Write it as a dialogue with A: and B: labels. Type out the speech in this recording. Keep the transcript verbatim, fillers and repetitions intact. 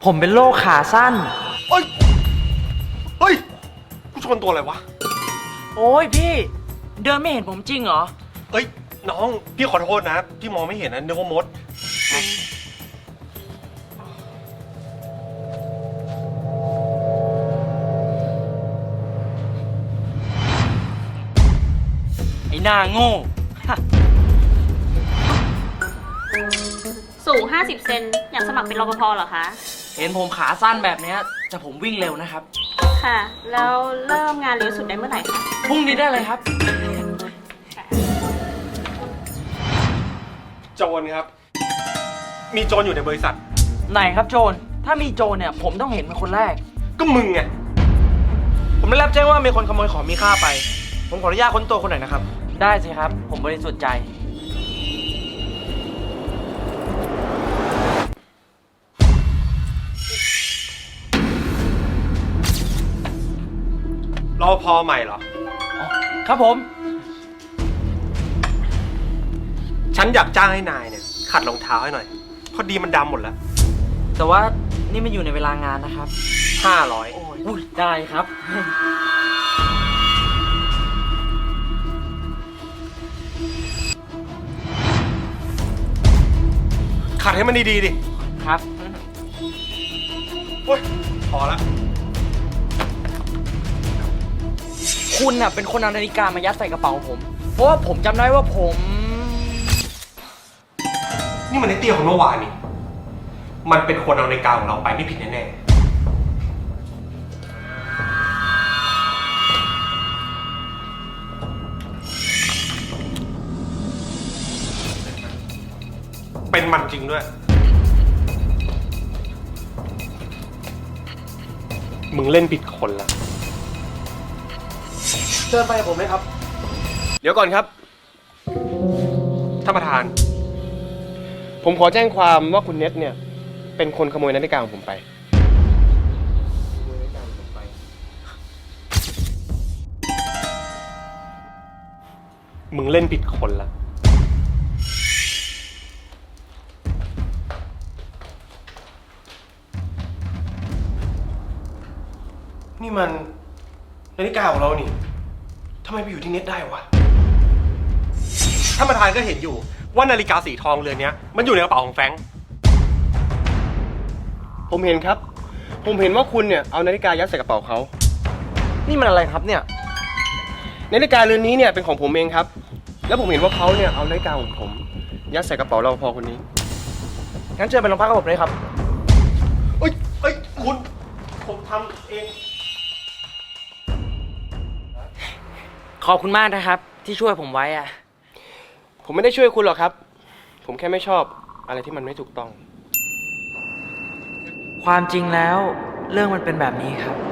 A: ผมเป็นโรคขาสั้น
B: เฮ้ยเฮ้ยกูชนตัวอะไรวะ
A: โอ้ยพี่เดินไม่เห็นผมจริงเหรอ
B: เฮ้ยน้องพี่ขอโทษนะที่มองไม่เห็นนะนึกว่ามด
A: ไอ้หน้าโง่
C: สูงห้าสิบเซนอยากสมัครเป็นรปภเหรอคะ
A: เห็นผมขาสั้นแบบเนี้ยจะผมวิ่งเร็วนะครับ
C: ค่ะ แล้วเริ่มงานเร็วสุดได้เมื่อไหร่คะ
A: พรุ่งนี้ได้เลยครับ
B: โจรครับมีโจรอยู่ในบริษัท
A: ไหนครับโจรถ้ามีโจรเนี่ยผมต้องเห็นเป็นคนแรก
B: ก็มึงไงผมได้รับแจ้งว่ามีคนขโมยของมีค่าไปผมขออนุญาตค้นตัวคนหน่อยนะครับ
A: ได้สิครับผมบริสุทธิ์ใจ
B: รปภใหม่เหรอ
A: ครับผม
B: ฉันอยากจ้างให้นายเนี่ยขัดรองเท้าให้หน่อยพอดีมันดำหมดแล้ว
A: แต่ว่านี่มันอยู่ในเวลางานนะครับ
B: ห้าร้อย
A: โอ้ยได้ครับ
B: ขัดให้มันดีๆดิ
A: ครับ
B: โอ้ยพอละ
A: คุณน่ะเป็นคนเอานาฬิกามายัดใส่กระเป๋าผมเพราะว่าผมจำได้ว่าผม
B: นี่มันไอ้เตี้ยของเมื่อวานนี่มันเป็นคนเอานาฬิกาของเราไปไม่ผิดแน่ๆเป็นมันจริงด้วยมึงเล่นผิดคนละเชิญไปกับผมเลยครับเดี๋ยวก่อนครับท่านประธานผมขอแจ้งความว่าคุณเน็ตเนี่ยเป็นคนขโมยนาฬิกาของผมไปมึงเล่นผิดคนละนี่มันนาฬิกาของเรานี่ทำไมไปอยู่ที่เน็ตได้วะท่านประธานก็เห็นอยู่ว่านาฬิกาสีทองเรือนนี้มันอยู่ในกระเป๋าของแฟรงค์ผมเห็นครับผมเห็นว่าคุณเนี่ยเอานาฬิกายัดใส่กระเป๋าเขานี่มันอะไรครับเนี่ยนาฬิกาเรือนนี้เนี่ยเป็นของผมเองครับแล้วผมเห็นว่าเขาเนี่ยเอานาฬิกาของผมยัดใส่กระเป๋ารปภคนนี้งั้นเชิญไปโรงพักกับผมเลยครับเอ้ยเอ้ยคุณผมทำเอง
A: ขอบคุณมากนะครับที่ช่วยผมไว้อะ
B: ผมไม่ได้ช่วยคุณหรอกครับผมแค่ไม่ชอบอะไรที่มันไม่ถูกต้อง
A: ความจริงแล้วเรื่องมันเป็นแบบนี้ครับ